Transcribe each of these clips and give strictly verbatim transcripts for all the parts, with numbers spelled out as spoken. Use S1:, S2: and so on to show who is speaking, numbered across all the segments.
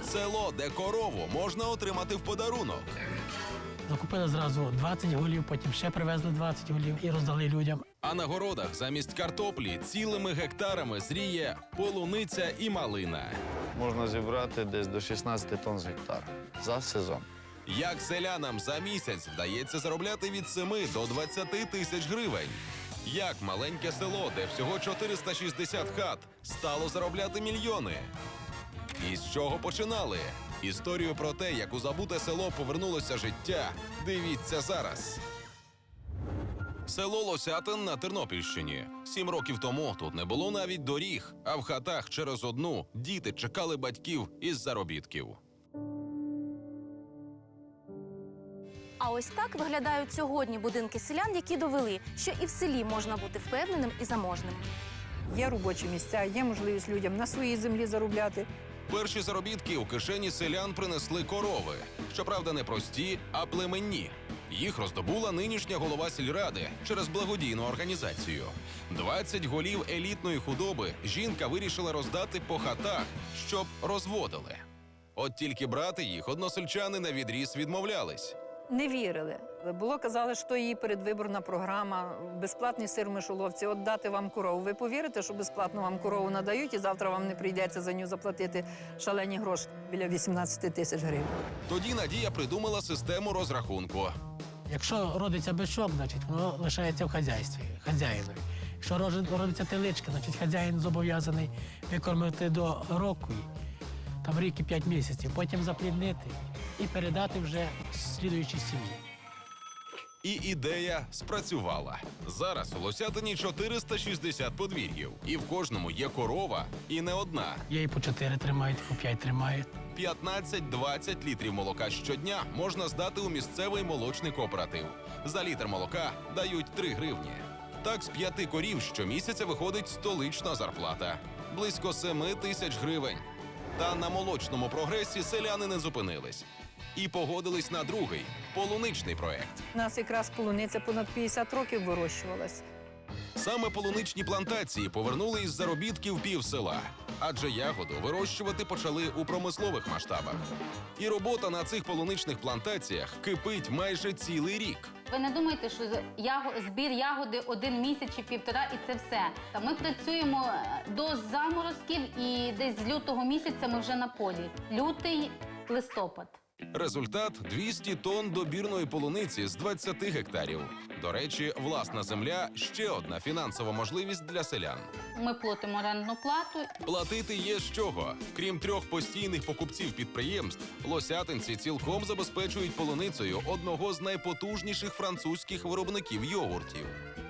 S1: Село, де корову можна отримати в подарунок.
S2: Закупили зразу двадцять голів, потім ще привезли двадцять голів і роздали людям.
S1: А на городах замість картоплі цілими гектарами зріє полуниця і малина.
S3: Можна зібрати десь до шістнадцяти тонн з гектара за сезон.
S1: Як селянам за місяць вдається заробляти від семи до двадцяти тисяч гривень? Як маленьке село, де всього чотириста шістдесят хат, стало заробляти мільйони? І з чого починали? Історію про те, як у забуте село повернулося життя, дивіться зараз. Село Лосятин на Тернопільщині. Сім років тому тут не було навіть доріг, а в хатах через одну діти чекали батьків із заробітків.
S4: А ось так виглядають сьогодні будинки селян, які довели, що і в селі можна бути впевненим і заможним.
S5: Є робочі місця, є можливість людям на своїй землі заробляти.
S1: Перші заробітки у кишені селян принесли корови. Щоправда, не прості, а племенні. Їх роздобула нинішня голова сільради через благодійну організацію. двадцять голів елітної худоби жінка вирішила роздати по хатах, щоб розводили. От тільки брати їх односельчани на відріз відмовлялись.
S5: Не вірили. Було, казали, що її передвиборна програма, безплатний сир в мишоловці, от дати вам корову. Ви повірите, що безплатно вам корову надають і завтра вам не прийдеться за нього заплатити шалені гроші, біля вісімнадцяти тисяч гривень.
S1: Тоді Надія придумала систему розрахунку.
S2: Якщо родиться бичок, значить воно лишається в хазяйстві, хазяїнові. Якщо роди- родиться теличка, значить хазяїн зобов'язаний викормити до року, там рік і п'ять місяців, потім запліднити і передати вже слідуючій сім'ї.
S1: І ідея спрацювала. Зараз у Лосятині чотириста шістдесят подвір'їв. І в кожному є корова, і не одна.
S2: Є і по чотири тримають, і по п'ять тримають.
S1: п'ятнадцять-двадцять літрів молока щодня можна здати у місцевий молочний кооператив. За літр молока дають три гривні. Так з п'яти корів щомісяця виходить столична зарплата. Близько семи тисяч гривень. Та на молочному прогресі селяни не зупинились. І погодились на другий – полуничний проект.
S5: У нас якраз полуниця понад п'ятдесят років вирощувалась.
S1: Саме полуничні плантації повернули із заробітків пів села. Адже ягоду вирощувати почали у промислових масштабах. І робота на цих полуничних плантаціях кипить майже цілий рік.
S6: Ви не думайте, що яго- збір ягоди один місяць чи півтора і це все. Та ми працюємо до заморозків і десь з лютого місяця ми вже на полі. Лютий, листопад.
S1: Результат – двісті тонн добірної полуниці з двадцяти гектарів. До речі, власна земля – ще одна фінансова можливість для селян.
S6: Ми платимо орендну плату.
S1: Платити є з чого. Крім трьох постійних покупців підприємств, лосятинці цілком забезпечують полуницею одного з найпотужніших французьких виробників йогуртів.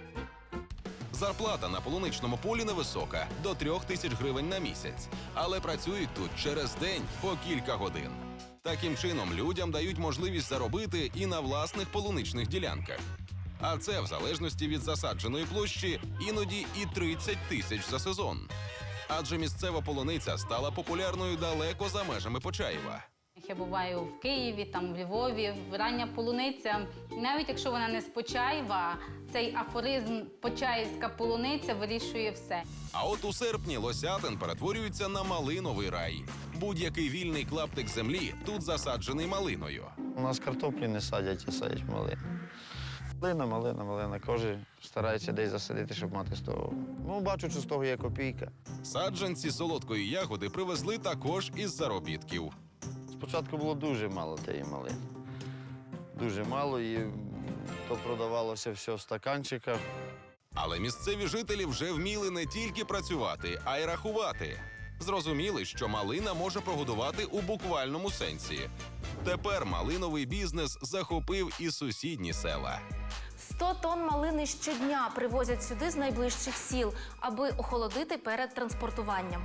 S1: Зарплата на полуничному полі невисока – до трьох тисяч гривень на місяць. Але працюють тут через день по кілька годин. Таким чином, людям дають можливість заробити і на власних полуничних ділянках. А це, в залежності від засадженої площі, іноді і тридцять тисяч за сезон. Адже місцева полуниця стала популярною далеко за межами Почаєва.
S6: Я буваю в Києві, там в Львові. Рання полуниця, навіть якщо вона не з Почаєва, цей афоризм «Почаївська полуниця» вирішує все.
S1: А от у серпні Лосятин перетворюється на малиновий рай. Будь-який вільний клаптик землі тут засаджений малиною.
S3: У нас картоплі не садять, а садять малину. Малина, малина, малина. Кожен старається десь засадити, щоб мати з того. Ну, бачу, що з того є копійка.
S1: Саджанці солодкої ягоди привезли також із заробітків.
S3: Спочатку було дуже мало тієї малини. Дуже мало, і то продавалося все в стаканчиках.
S1: Але місцеві жителі вже вміли не тільки працювати, а й рахувати. Зрозуміли, що малина може прогодувати у буквальному сенсі. Тепер малиновий бізнес захопив і сусідні села.
S4: сто тонн малини щодня привозять сюди з найближчих сіл, аби охолодити перед транспортуванням.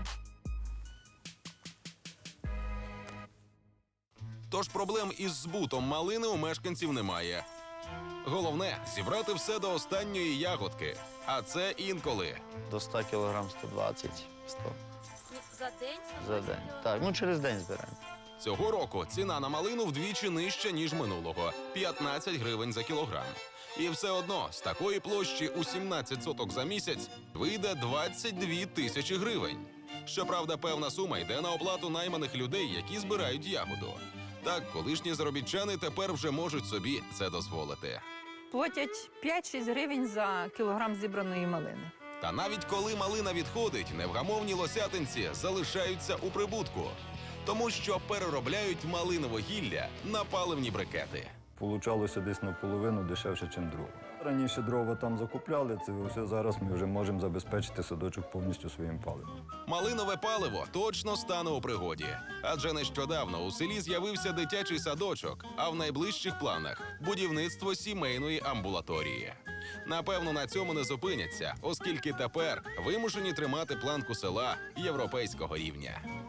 S1: Тож проблем із збутом малини у мешканців немає. Головне – зібрати все до останньої ягодки. А це інколи.
S3: До ста кілограм сто двадцять - сто
S4: За день?
S3: за день. Так, ну через день збираємо.
S1: Цього року ціна на малину вдвічі нижча, ніж минулого – п'ятнадцять гривень за кілограм. І все одно з такої площі у сімнадцять соток за місяць вийде двадцять дві тисячі гривень. Щоправда, певна сума йде на оплату найманих людей, які збирають ягоду. Так, колишні заробітчани тепер вже можуть собі це дозволити.
S5: Платять п'ять-шість гривень за кілограм зібраної малини.
S1: Та навіть коли малина відходить, невгамовні лосятинці залишаються у прибутку, тому що переробляють малинове гілля на паливні брикети.
S7: Получалося десь наполовину дешевше, ніж дрова. Раніше дрова там закупляли, це все зараз ми вже можемо забезпечити садочок повністю своїм паливом.
S1: Малинове паливо точно стане у пригоді. Адже нещодавно у селі з'явився дитячий садочок, а в найближчих планах – будівництво сімейної амбулаторії. Напевно, на цьому не зупиняться, оскільки тепер вимушені тримати планку села європейського рівня.